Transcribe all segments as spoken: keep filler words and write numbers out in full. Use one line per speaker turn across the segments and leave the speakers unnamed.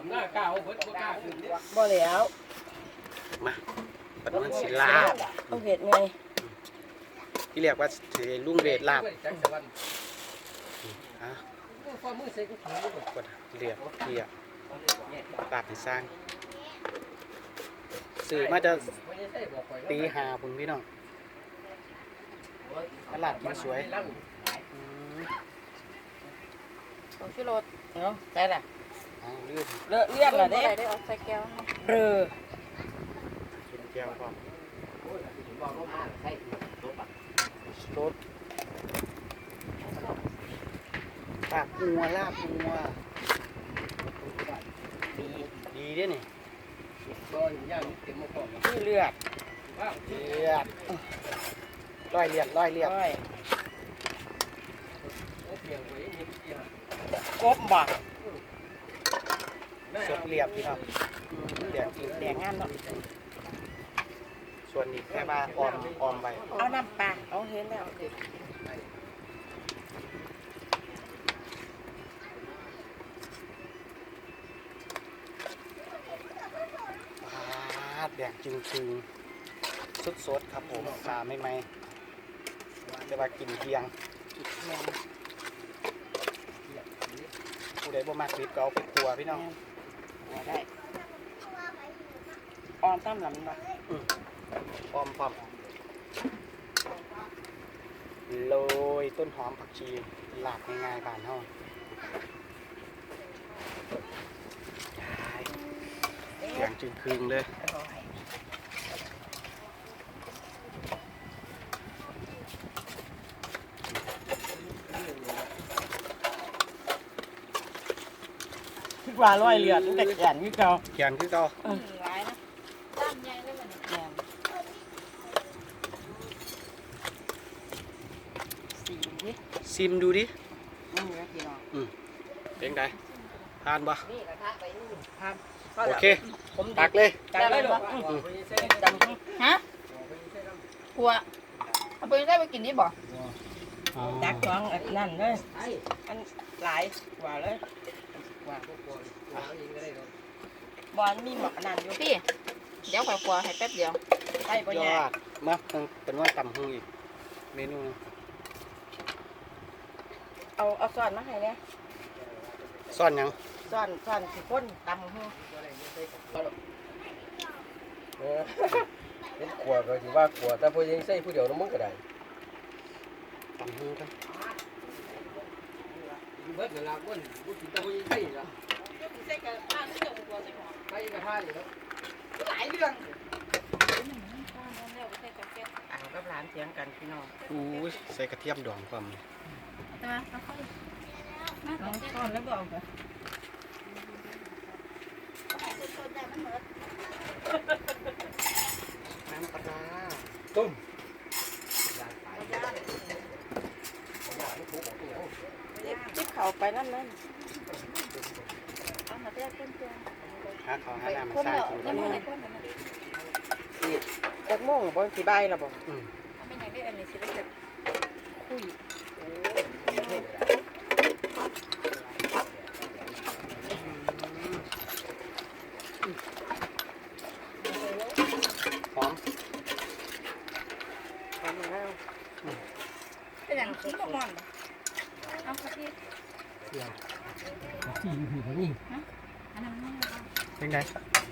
บ่แล้ว
มาปันมันสิลาบ
ต้องเห็ดไง
ที่เรียกว่าถือลุงเวทลาบฮะกดเรียบเรียบลาบให้สร้างสื่อมาจะตีหาคุณพี่น้องตลาดกินสวย
ต้องชิโรดเนาะใช่แหละ
เลื่อน
เลอะเลื่อนเหรอเด้
ได้ออกใส่แก้ว
เออ
กินแก้วก่อนรสลาบงัวลาบงัวดีดีด้วยนี่
ที่เลือด
เลือดร้อยเลือดร้อยเลือด
กบบ่
สดเรียบพี่ครับแดงจริง
แดงงามเนาะ
ส่วนนี้แค่ว่าออมออมไป
เอาน้ำปลาเอาเห็นแล้ว
แดงจริงจริงสดสดครับผมปลาไม่ไหมจะมากินเพียงผู้ใดบ่มากคลิปก็เอาไปครัวพี่น้อง
ได้ออมตั้มหลังบ่
ออมพร้อมโรยต้นหอมผักชีหลากง่ายๆบ้านเฮาอย่างจึงคืนเลย
คิดว่าร้อยเลือดตั้งแต่แขนคือเก่า
แขนคือเก่า
หลายนะด้านใหญ่เลยมันแขน
สีดิ
ซิมดูดิ
นี่นะพี่น้อง
อืมเป็นไงทานบ่
ทาน
โอเคตักเลย
ตักเลยหรอจำฮะหัวเอาไปได้ไปกินนี่บ่ตักท้องอันนั่นเลยอันหลายกว่าเลยว่าบอลมีหมอกนั่นอยู่
พี่เดี๋ยวขอครัวให้แป๊บเดียว
ใช่ปะเนี่ย
มาเป็นว่าตำหูอีกเมนู
เอาเอาซ่อนมาให้เนี่ย
ซ่อนยัง
ซ่อนซ่อนสิก้นตำหู
เป็นขวดก็ถือว่าขวดแต่พอยังใส่ผู้เดียวน้ำมันก็ได้
ตำหูกัน
เบิดเวลาก้นผู้กินแต่พอยังใส่ละ
ใส่กระทะนี่เดี๋ยวกลัวใส่หม้อ
ใส่กระทะนี่แล้ว
หลายเรื่อง
อ่างกับร้านเถียงกันพี่น้อง
อู้ใส่กระเทียมดองความ
มาค่อย
น้องซ่อนแล้วบอกไปน้ำปลา
ต้ม
จิ๊บเข่าไปนั่นนั่น
เอามาเรียกเพื่อนเพื่อน
หาเขาหาน้ำมาสร้างกินกัน
นี่จากโม่งบนสีใบละบอก
ไม่อยากได้อันนี้สิได้แบบคุย
หอม
หอมแล้ว
เป็นอย่างที่ประมาณเอาสักที
ที่อยู่ที่นี่
อันนั้นไม่
เป็นไง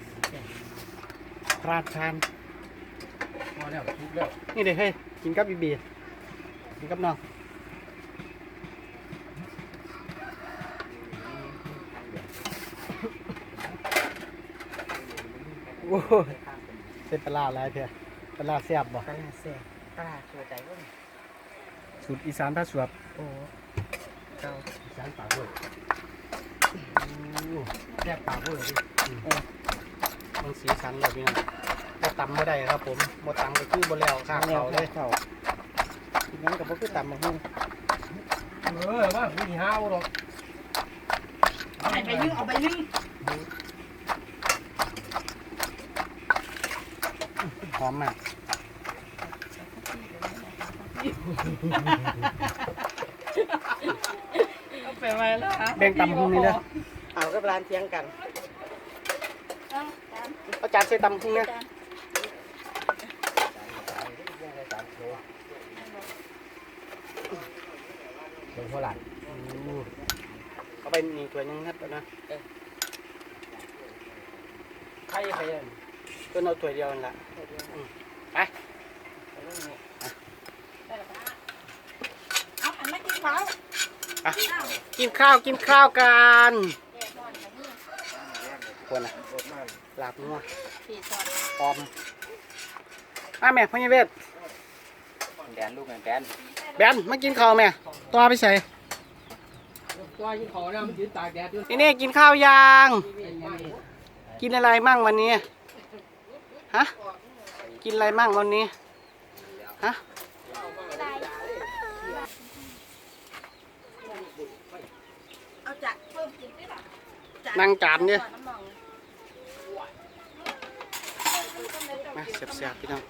ราดทาน
พอแล้วทุกแล้ว
นี่เด็กให้กินกับบีบีกินกับน้องโอ้เส้นปลาอะไรเพียปลาแซ่บบ่
ปลาแซ่บปลาสวยใจก็
สูตรอีสานท่าสวบ
โอ้เจ้า
อีสานปากด้วยแซ่บปากด้วยดิ
มันสีสันเลยพี่น้องบ่ตำไม่ได้ครับผมบ่ตำก็คือบ่แล้วข้างเขาเลย
เขาทีนั้นก็บ่คือตำมาหุ้น
เออว่าผู้ที่ห้าวหรอก
เอาไปนึ่งเอาไปนึ่ง
หอมมาก
เอาไปไว้แล้ว
แบ่งตำหุ้นนี่เด้อ
เอากับร้านเที่ยงกัน
เอาจาน
เอาจานใส่ตำพุ่งเนี่ย
จาน
เป็นเท่าไหร่
เอาไปนี่ถ้วยหนึงครับนะ
ใครใคร
ก็เอาถ้วยเดียวนั่นแหละอืมไป
เอาอันไม่กินข้าว
อ่ะ
อ้าว
กินข้าวกินข้าวกัน
แย่ก่อนนะนี่
ควรนะลาบนัว
สี่ซอส
หอมอ่ะแม่พ่อยังเวท
แดนลูกแดน
แบนมากินข้าวแม่ตัวไปใส่
ตัวยิ่งขอเนี่ยมันยืนตากแดดอยู่
นี่นี่กินข้าวยังกินอะไรมั่งวันนี้ฮะกินอะไรมั่งวันนี้ฮะ
เอาจากเพิ่มกินได้หรอ
นั่งจานเนี่ย
น้ำมอง
มาเสียบๆพี่น้อง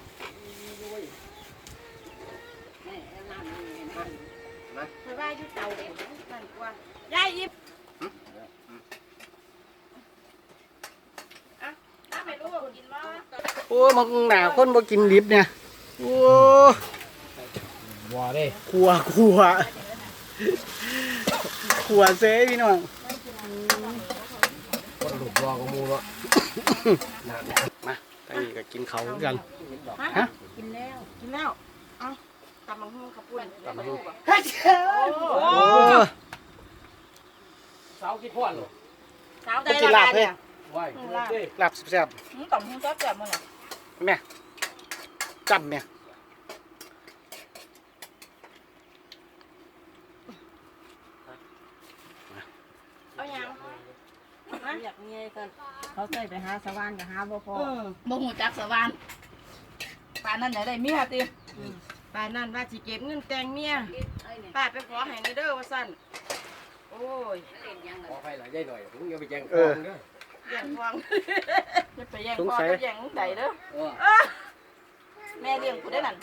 ไปไหว้ที่เตานั่นกว่ายายยิบอ่ะน้ำไม่รู้กินมั้ย
โอ้ยมึงหนาคนบ่กินดิบเนี่ยโอ้
บัวเด้
ขัวขัวขัวเซ่พี่น้อง
คนหลุดบัวก็มูวะ
มาตอนนี้ก็กินเขาวคือกัน
ฮะกินแล้วกินแล้วเอ้าตำมังหุ้งขับปุ่น
ตำบักหุ่ง
โอ้
โอ้
สาวคิดพ่อนหรอ
สาวใจละลายเนี่ย
ว้ายเด้
ลาบแซ่บ
มึงต่อมหุ้งแซ่บแซ่บมั้งเนี่ย
ๆแม่จับแม่
เอายัง
อยากเมียกันเขาใส่ไปหาสวรรค์กับหาบ่พอ
เออ
บ่หูจักสวรรค์ปานนั้นได้ได้เมียติ
ป้านั่นว่าสิเก็บเงินแต่งเมียป้าไปขอให้ในเด้อว่าสั่นโอ้ย
ขอใครหลายใจหน่อยผมยังไปแจ้งความเด้อ
แย่งควงจะไปแย่ง
สง
พ่อ
สัย
กับแย่งใดเด้อ
เออ
เอ้อแม่เลี้ยงกูได้นั่น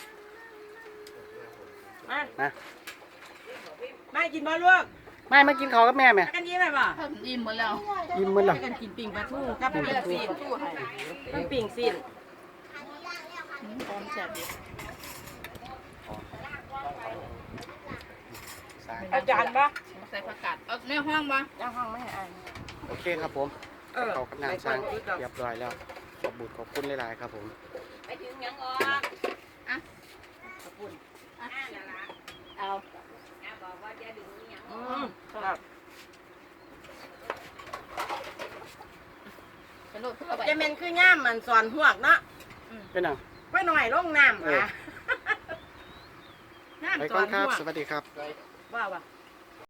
มา
นะ
มากินบ่ลูก
ไม่มากินข้าวกับแม่แม่
มากันยิ้มไหมบ่
เพิ่นอิ่มหมดแล้ว
ยิ้มมันหรอ
มากันกินปิ่งปลาทูกับปิ่งซีนกับปิ่งซีน
อืมพร้อมแซ่บดี
อาจารย์บ่
ใส่ผักกาดเอาในห้องบ่
ย่างห้องไม่ให้อ่าน
โอเคครับผม
เออ
เขากับนางสร้างเรียบร้อยแล้วขอบบุญขอบคุณหลายๆครับผม
ไปถึงยังอ๋อ
เอา
บอกว่าจะดึงยัง
อืมครับ
เป็นโลดเพื่อไป
จะเป็นคือย่ามมันสอนหวกเนาะ
เป็นหนัง
ไปหน่อยลงน้ำ
เออ
อ่ะน้ำ
ไป
ส
ก่
อ
อน
น
ครับ
หวก
สวัสดีครับ
ว่าว่ะ